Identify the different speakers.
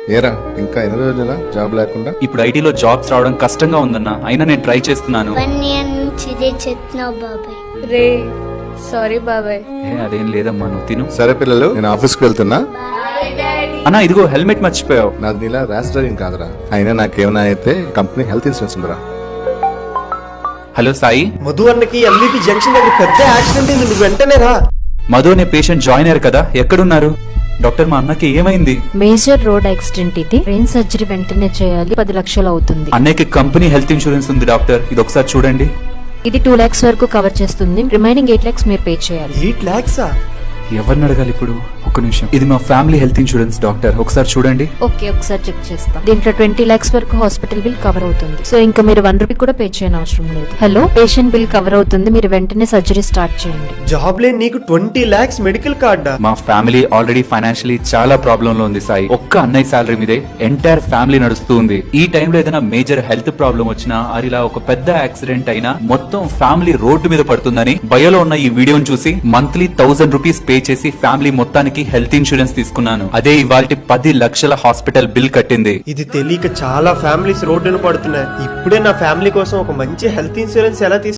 Speaker 1: ఏరా ఇంకా ఎన్ని రోజుల జాబ్ లేకుండా?
Speaker 2: ఇప్పుడు ఐటీలో జాబ్స్ రావడం కష్టంగా ఉందన్న, అయినా నేను ట్రై చేస్తున్నాను.
Speaker 3: 1 year నుంచి ఇదే చెప్తున్నావు బాబాయ్.
Speaker 4: రే సారీ బాబాయ్.
Speaker 2: అదేం లేదమ్మా, నువ్వు తిను.
Speaker 1: సరే పిల్లలు, నేను ఆఫీస్కి వెళ్తున్నా.
Speaker 2: అన్నా ఇదిగో హెల్మెట్ మర్చిపోయావు.
Speaker 1: నాది నీలా ర్యాష్ డ్రైవింగ్ కాదురా, అయినా నాకేమైనా అయితే కంపెనీ హెల్త్ ఇన్సూరెన్స్ ఉందిరా.
Speaker 2: హలో సాయి,
Speaker 5: మధు అన్నకి ఎంబీపీ జంక్షన్ దగ్గర పెద్ద యాక్సిడెంట్ అయింది, నువ్వు వెంటనే రా.
Speaker 2: మధు అనే పేషెంట్ జాయిన్ అయ్యారు కదా, ఎక్కడున్నారు? డాక్టర్ మా అన్నకి ఏమైంది?
Speaker 6: మేజర్ రోడ్ యాక్సిడెంట్ ఇది, బ్రెయిన్ సర్జరీ వెంటనే చేయాలి, 10 లక్షలు అవుతుంది.
Speaker 2: అన్నయ్యకి కంపెనీ హెల్త్ ఇన్సూరెన్స్ ఉంది డాక్టర్, ఇది ఒకసారి చూడండి.
Speaker 6: ఇది 2 lakhs వరకు కవర్ చేస్తుంది, రిమైనింగ్ 8 lakhs మీరు పే చేయాలి.
Speaker 5: 8 lakhs?
Speaker 2: ఎవరిని అడగాలి ఇప్పుడు? ఒక్క నిమిషం, ఇది మా ఫ్యామిలీ హెల్త్ ఇన్సూరెన్స్ డాక్టర్, ఒకసారి చూడండి.
Speaker 6: ఓకే, ఒకసారి చెక్ చేస్తాం. దీంట్లో 20 lakhs వరకు హాస్పిటల్ బిల్ కవర్ అవుతుంది, సో ఇంకా మీరు 1 రూపీ కూడా పే చేయని అవసరం లేదు. హలో, పేషెంట్ బిల్ కవర్ అవుతుంది, మీరు వెంటనే సర్జరీ స్టార్ట్ చేయండి.
Speaker 5: జాబ్ లేని నీకు 20 lakhs మెడికల్ కార్డా?
Speaker 2: మా ఫ్యామిలీ ఆల్రెడీ ఫైనాన్షియలీ చాలా ప్రాబ్లం లో ఉంది సాయి. ఒక్క అన్నయ్య సాలరీ మీదే ఎంటైర్ ఫ్యామిలీ నడుస్తూ ఉంది. ఈ టైంలో ఏదైనా మేజర్ హెల్త్ ప్రాబ్లం వచ్చినా, అరిలా ఒక పెద్ద యాక్సిడెంట్ అయినా మొత్తం ఫ్యామిలీ రోడ్డు మీద పడుతుందని బయోలో ఉన్న ఈ వీడియోని చూసి మంత్లీ 1000 రూపీస్ పే చేసి ఫ్యామిలీ మొత్తానికి హెల్త్ ఇన్సూరెన్స్ తీసుకున్నాను. అదే ఇవాల్టి 10 లక్షల హాస్పిటల్ బిల్ కట్టింది.
Speaker 5: ఇది తెలియక చాలా ఫ్యామిలీస్ రోడ్డున పడుతున్నాయి. ఇప్పుడే నా ఫ్యామిలీ కోసం ఒక మంచి హెల్త్ ఇన్సూరెన్స్ ఎలా